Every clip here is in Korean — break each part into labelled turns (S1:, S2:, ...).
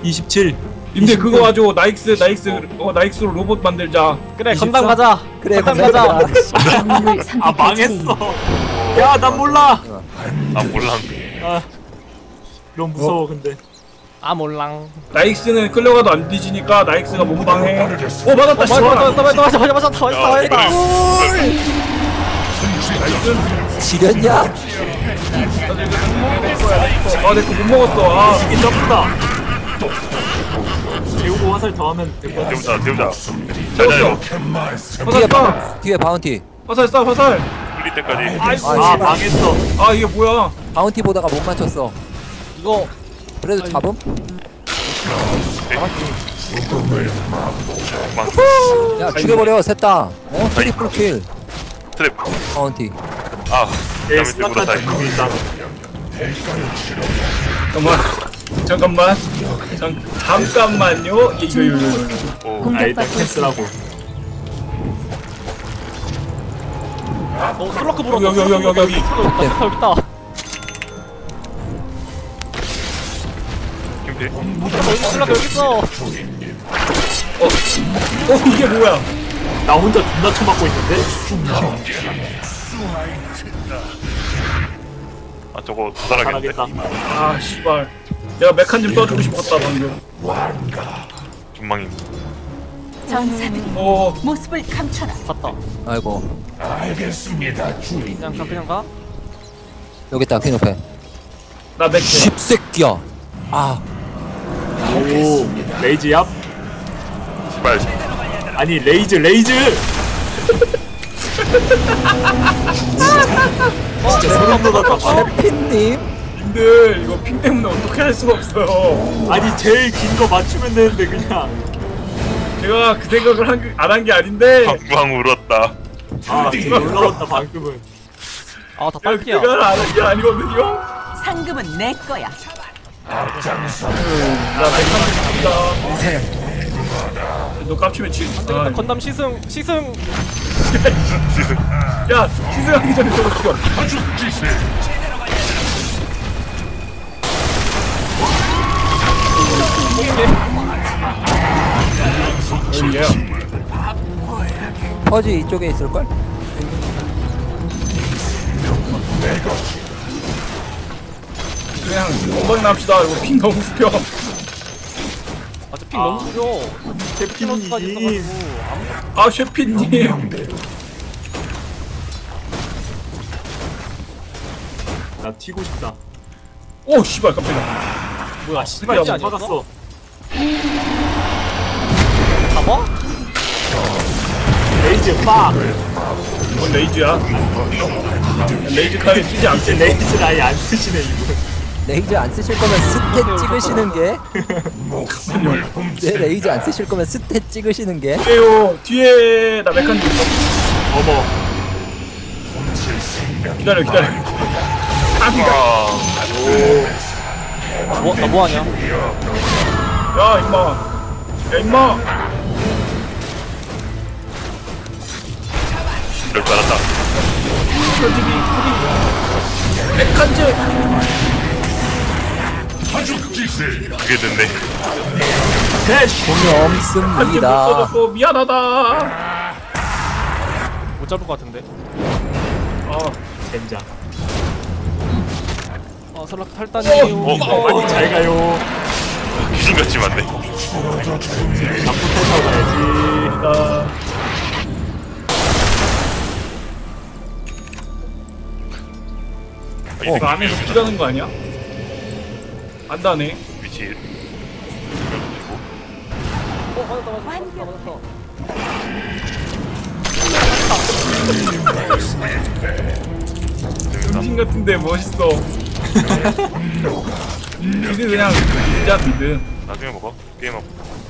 S1: 27.
S2: 근데 그거 가지고 나익스로 로봇 만들자.
S3: 그래 건담 가자.
S4: 그래
S3: 건담 가자.
S1: 아 망했어. 야 난 몰라.
S5: 아 몰라.
S1: 아 너무 무서워 근데.
S3: 아 몰랑.
S2: 나익스는 끌려가도 안 뒤지니까 나익스가 몸방해. 오 맞았다.
S3: 맞았다.
S4: 지렸냐?
S2: 아 내 거 못 먹었어. 아
S1: 이게 점프다. 재우고 화살 더하면 될 것 같아.
S5: 태우자. 자자 이거.
S2: 화살 쏴.
S4: 뒤에 바운티.
S2: 화살 쏴 화살.
S5: 뚫릴 때까지.
S1: 아 망했어.
S2: 아 이게 뭐야?
S4: 바운티 보다가 못 맞췄어.
S3: 이거
S4: 그래도 잡음? 야 죽여버려 셋다. 트리플 킬.
S5: 트랩.
S4: 바운티.
S5: 아.
S1: 내
S5: 다음에 들고 다.
S1: 스나타 기분이 있다.
S2: 잠깐만요. 이거.
S5: 오.
S1: 아 일단 캔슬하고.
S3: 슬러크 불었다.
S2: 여기.
S3: 여기 있다.
S5: 김필.
S3: 슬러크 여기 있어.
S2: 이게 뭐야?
S1: 나 혼자 존나 쳐맞고 있는데?
S5: 아 저거 도살하겠는데.
S1: 잘하겠다.
S2: 아 씨발. 내가 메칸 좀 써주고 싶었다 방금.
S5: 전망이.
S6: 전사들이
S2: 오.
S6: 모습을 감춰라.
S3: 갔다.
S4: 아이고
S3: 그냥 가.
S4: 여기 있다 퀸 옆에.
S2: 나 메칸.
S4: 십새끼야. 아
S1: 오 레이즈 얍?
S5: 제발.
S1: 아니 레이즈 진짜 소름 돋았다.
S4: 해피님.
S2: 님들 이거 핑 때문에 어떻게 할 수가 없어요.
S1: 아니 제일 긴 거 맞추면 되는데 그냥.
S2: 제가 그 생각을 안 한 게 아닌데.
S5: 방광 울었다.
S1: 아 진짜 놀라웠다 방금은.
S3: 아다 딸피야.
S2: 제가 안 한 게 아니거든요.
S6: 상금은 내 거야.
S2: 나 메칸 좀 갑니다. 너 깝치면 지. 아,
S3: 건담 시승.
S2: 야 시승하기 전에 저거 죽여.
S4: 퍼지 이쪽에 있을걸?
S2: 그냥 엉덩이 납시다. 이거 핑 너무 웃겨.
S3: 아저핑 너무 죽여. 피노스까지
S1: 셰피님.
S3: 있어가지고.
S2: 아 셰피님.
S1: 나 튀고 싶다.
S2: 오 씨발 깜짝이야.
S3: 뭐야
S1: 씨발
S3: 씨발
S1: 야
S3: 아니었어?
S1: 막았어.
S3: 잡아?
S1: 레이즈 빡.
S2: 뭔 레이즈야? 레이즈 카드 쓰지 않겠네.
S1: 레이즈를 아예 안 쓰시네 이분.
S4: 레이저 안 쓰실 거면 스탯 찍으시는 게. 네 레이저 안 쓰실 거면 스탯 찍으시는 게.
S2: 뒤에요. 뒤에 나 메칸 좀 있어.
S1: 어머.
S2: 기다려.
S5: 아.
S3: 나 뭐하냐?
S2: 야 임마.
S5: 이럴 줄 알았다.
S2: 메칸즈.
S5: 그게 됐네.
S4: 돈이
S2: 한점 못
S4: 없습니다.
S2: 써줬어. 미안하다.
S3: 못 잡을 것 같은데.
S2: 아
S1: 젠장.
S3: 슬러크 탈단이에요.
S1: 빨리 잘 가요.
S5: 귀신같이 맞네.
S1: 나쁜 탈타고 가야지.
S2: 나. 이거 안에서 피라는 거 아니야? 안 다네.
S5: 위치.
S3: 맞았다.
S2: 정신 같은데 멋있어. 미드 그냥 진짜 미드.
S5: 나중에 먹어. 게임하고.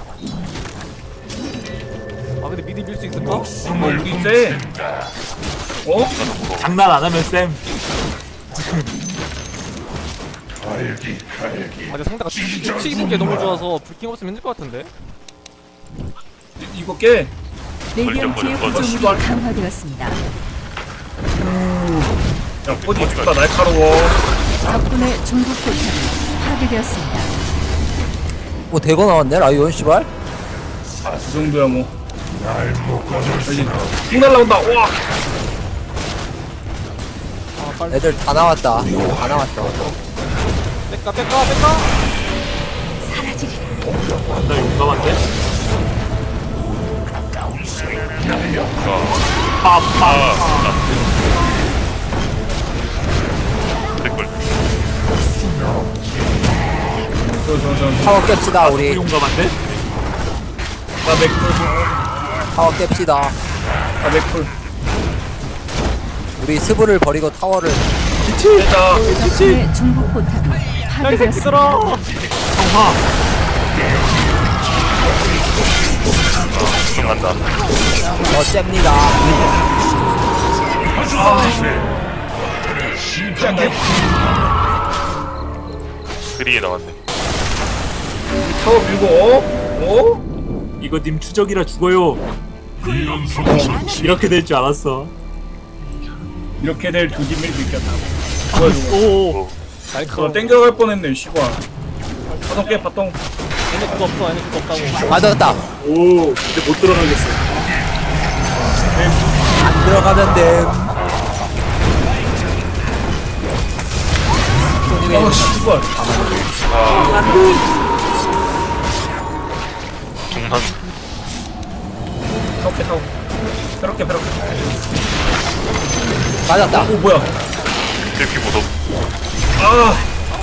S3: 아 근데 미드 밀 수 있을까?
S2: 우리 쎄. 어?
S1: 장난 안 하면 쌤.
S3: 아 근데 상대가 튀는 게 너무 좋아서 불킹 없으면 힘들 것 같은데.
S2: 이거 깨.
S6: 레디언트의 구조물이 강화되었습니다.
S2: 야, 포지 죽다 날카로워.
S6: 적군의 중국 포탑이 파괴되었습니다.
S4: 대거 나왔네 라이온 씨발.
S2: 그 정도야 뭐. 여기 쭉 날라온다. 와.
S3: 아 빨리
S4: 애들 다 나왔다. 다 나왔다.
S3: 뺄까.
S1: 나 용감한데?
S5: 댓글.
S2: 저.
S4: 타워 깹시다 우리.
S1: 용감한데?
S2: 나 맥풀.
S4: 타워 깹시다.
S2: 나 맥풀.
S4: 우리 스브를 버리고 타워를.
S2: 됐다.
S6: 덕분에 중국 포탑이
S3: 야이
S6: 파괴되었습니다.
S3: 새끼들아.
S1: 성화.
S5: 간다.
S4: 잽니다.
S2: 시작해.
S5: 그리에 나왔네.
S2: 타워 밀고. 어?
S1: 이거 님 추적이라 죽어요. 이렇게 될 줄 알았어.
S2: 이렇게 될 조짐을 느꼈다. 뭐야 저거.
S1: 오.
S2: 저 땡겨갈 뻔했네 시발. 바통 깨 바통.
S3: 얘네 그거 없다고.
S4: 맞았다.
S1: 오. 근데 못 들어가겠어.
S4: 안 들어가면 됨.
S2: 아 시발.
S5: 중간.
S2: 타워 깨 타워. 페럭게.
S4: 맞았다.
S2: 오 뭐야.
S5: 이렇게 무섭.
S2: 아.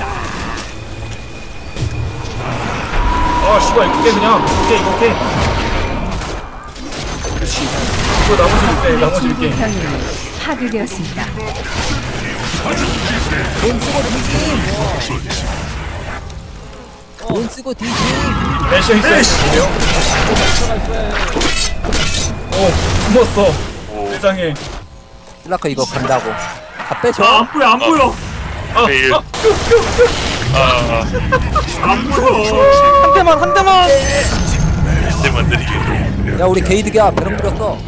S2: 아 씨발 이거 깨 그냥. 이거 깨. 그렇지. 이거 나머지를 깨. 나머지를 깨.
S6: 중국 병력이 파괴되었습니다.
S4: 돈 쓰고 뒤짐.
S2: 애쉬 있어요. 오 숨었어.
S5: 오.
S2: 세상에.
S4: 슬라커 이거 간다고. 다 빼줘.
S1: 안 보여.
S5: 내일.
S1: 안 보여.
S3: 한 대만.
S5: 이제 만들이게.
S4: 야 우리 게이드가 배럭 부렸어.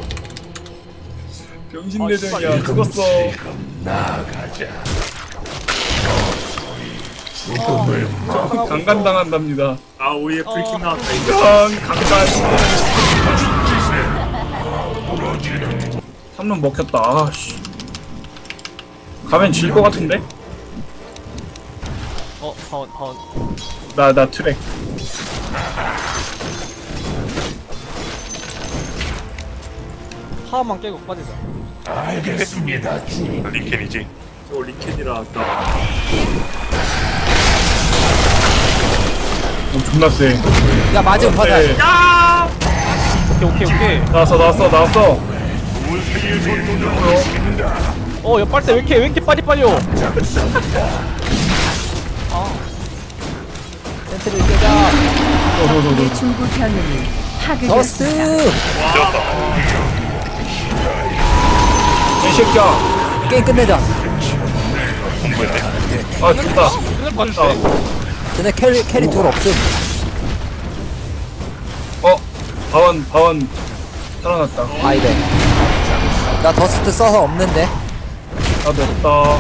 S2: 병신내전이야. 죽었어. 강간 당한답니다.
S1: 아 오예 불킴 나왔다 이거.
S2: 강간. 3론 먹혔다. 아씨. 가면 질 것 같은데?
S3: 파원.
S2: 나 트랙.
S3: 파워만 깨고 빠지자.
S5: 링켄이지.
S1: 저 리켄이라 아까.
S2: 오 존나 세.
S4: 야 맞은 파달.
S2: 네.
S3: 오케이.
S2: 나왔어.
S3: 야 빨대 왜 이렇게 빨리빨려.
S4: 센트를 깨자.
S6: 덕분에 중국 병력이 파괴되었습니다.
S4: 더스트.
S5: 되었다.
S2: 이 새끼야.
S4: 게임 끝내자.
S5: 공부했네.
S2: 아 죽다.
S3: 끝날 것 같은데.
S4: 쟤네 캐리 둘 없음.
S2: 바원 살아났다.
S4: 아이래. 나 더스트 써서 없는데.
S2: 나도 없다.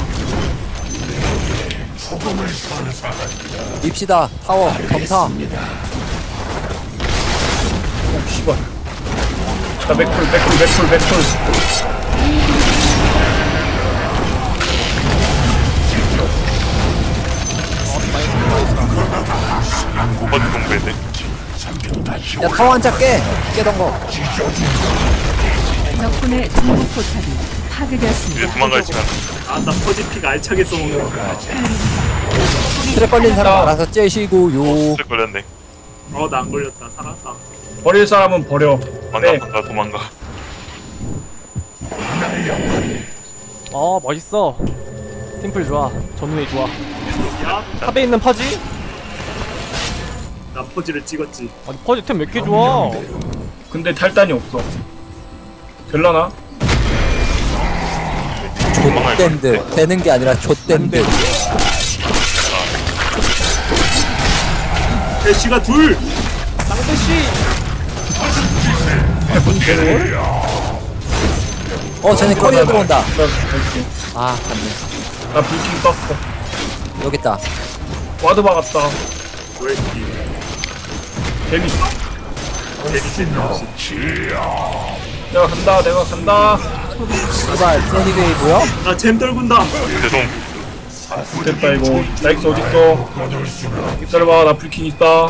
S4: 밉시다. 타워 점사.
S2: 오 씨발. 자 맥풀.
S5: 어디 공부했네.
S4: 야 타워 한자 깨던 거.
S6: 덕분에 중국 포탑이
S5: 이제
S6: 파괴되었습니다.
S5: 도망갈 시간.
S1: 아나 퍼지픽 알차게 써먹는 거.
S4: 트랩 걸린 사람 알아서 째시고요.
S5: 쓸 걸렸네.
S1: 나 안 걸렸다. 살았다.
S2: 버릴 사람은 버려. 네.
S5: 도망가.
S3: 멋있어. 팀플 좋아. 전우회 좋아.
S1: 야,
S3: 탑에 있는 퍼지?
S1: 나 퍼지를 찍었지.
S3: 아니 퍼지 템 몇 개 좋아.
S2: 근데 탈단이 없어. 될라나?
S4: 좆댄드. 되는 게 아니라 좆댄드.
S1: 애쉬가 둘.
S3: 쌍대씨.
S4: 쟤네 커리어 들어온다.
S2: 나 갈게.
S4: 아 갔네.
S2: 나 불킹 떴어.
S4: 여기 있다.
S2: 와드 박았다.
S1: 왜 이렇게
S2: 재밌어.
S1: 재밌지.
S2: 내가 간다.
S4: 제발 써니데이 뭐야?
S1: 나잼 떨군다.
S5: 죄송.
S2: 됐다 이거. 나이스 어딨어? 기다려봐, 나 불킹 있다.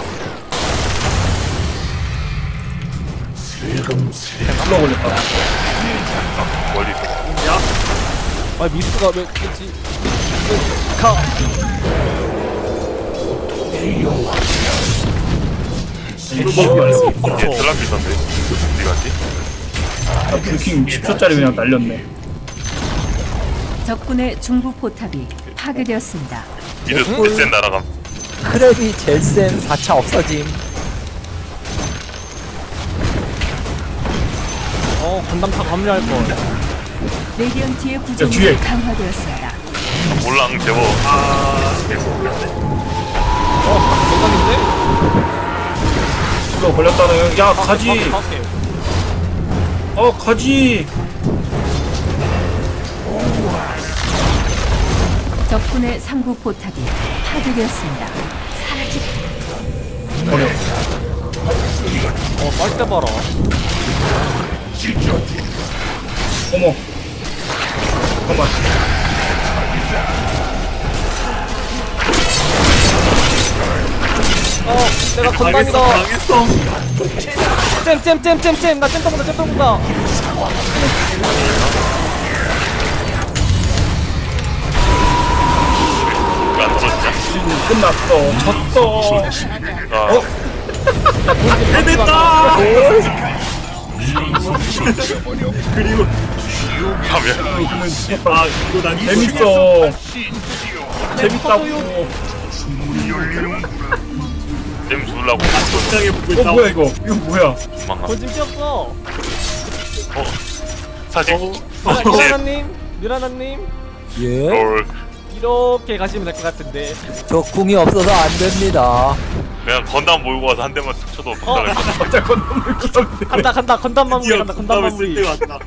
S2: 흘러 걸렸다.
S5: 멀리 있어.
S1: 야,
S3: 아 미스가 왜 그렇지? 가.
S1: 이거 먹고
S5: 얘 슬랍 있던데. 어디 갔지?
S2: 나 불킹 10초짜리 그냥 날렸네.
S6: 적군의 중부 포탑이 파괴되었습니다.
S5: 미드 SN 날아감.
S4: 크랩이 젤쌤 4차 없어짐.
S3: 건담 다 감리할 걸.
S6: 레디언트의
S2: 뒤에.
S6: 구조물이 강화되었습니다.
S5: 올랑 제보.
S3: 대박인데?
S2: 흘러 걸렸다는. 야 가지. 가지.
S6: 적군의 상부 포탑이 파괴되었습니다.
S2: 버려.
S3: 빨대 봐라.
S2: 어머. 잠깐만.
S3: 내가 건담이다.
S1: 당했어.
S3: 잼. 나 잼 떠본다.
S5: 왜안 떨어지냐?
S2: 끝났어. 졌어.
S5: 아,
S1: 해냈다. 그리고
S5: 가면.
S1: 이거 난
S2: 재밌어. 재밌다고.
S5: 잼 주려고.
S1: 적당히 보고 있다.
S2: 뭐야 이거? 이거 뭐야?
S5: 도망가.
S3: 건짐 뛰었어.
S5: 사직.
S3: 미라나님.
S4: 예?
S5: 롤.
S3: 이렇게 가시면 될 것 같은데.
S4: 저 궁이 없어서 안 됩니다.
S5: 그냥 건담 몰고 와서 한 대만 툭 쳐도 박살날 거야.
S2: 갑자기 건너물 구성돼.
S3: 간다. 건담 마무리
S1: 드디어
S3: 간다. 건담
S1: 건담을 쓸
S3: 마무리.
S1: 때가 왔다.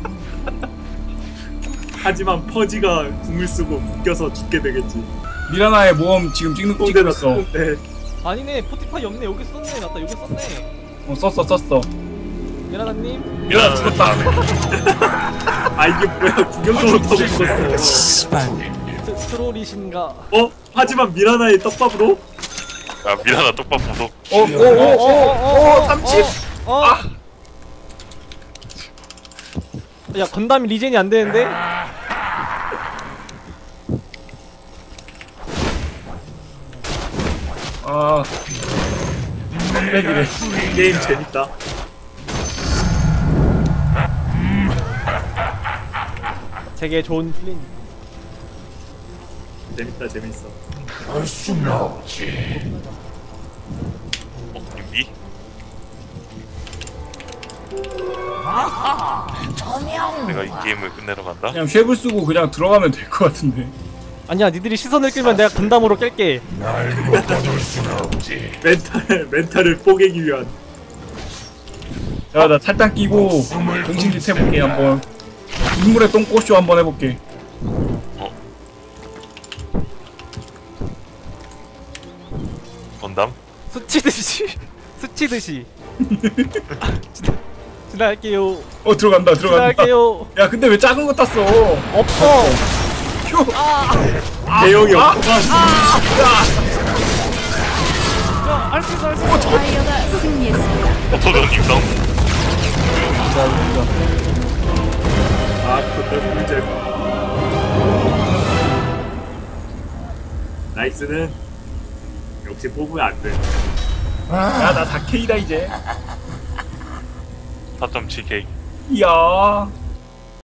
S1: 하지만 퍼지가 궁을 쓰고 묶여서 죽게 되겠지.
S2: 미라나의 모험 지금 찍고 있어.
S1: 네.
S3: 아니네. 포티파이 없네. 여기 썼네. 맞다. 여기 썼네.
S2: 썼어.
S3: 미라나님.
S5: 미안, 죽었다.
S1: 아 이게 뭐야? 구경도 못하고 죽었어.
S4: 씨발.
S3: 트롤이신가?
S1: 하지만 미라나의 떡밥으로
S5: 야, 미라나 똑바로 보소.
S2: 오, 30.
S3: 야 건담이 리젠이 안 되는데?
S2: 아, 300이래.
S1: 게임 재밌다.
S3: 되게 좋은 플랜.
S1: 재밌어.
S5: 윤비? 내가 이 게임을 끝내러 간다?
S2: 그냥 쉐블 쓰고 그냥 들어가면 될 것 같은데.
S3: 아니야 니들이 시선을 끌면 내가 건담으로 깰게.
S1: 멘탈을 뽀개기 위한.
S2: 야, 나 탈당 끼고 정신짓 해볼게 한번. 인물의 똥꼬쇼 한번 해볼게.
S5: 건담?
S3: 스치듯이 지나갈게요.
S2: 들어간다.
S3: 지나갈게요.
S2: 야, 근데 왜 작은 거 땄어?
S3: 없어.
S2: 휴.
S1: 대형이 없구만.
S3: 할 수 있어.
S6: 파이어가 승리했습니다.
S5: 오토전님 싸움.
S1: 그때 문제. 나이스는 역시 뽑으면 안 돼.
S2: 야, 나 4K다 이제.
S5: 4.7K.
S2: 이야.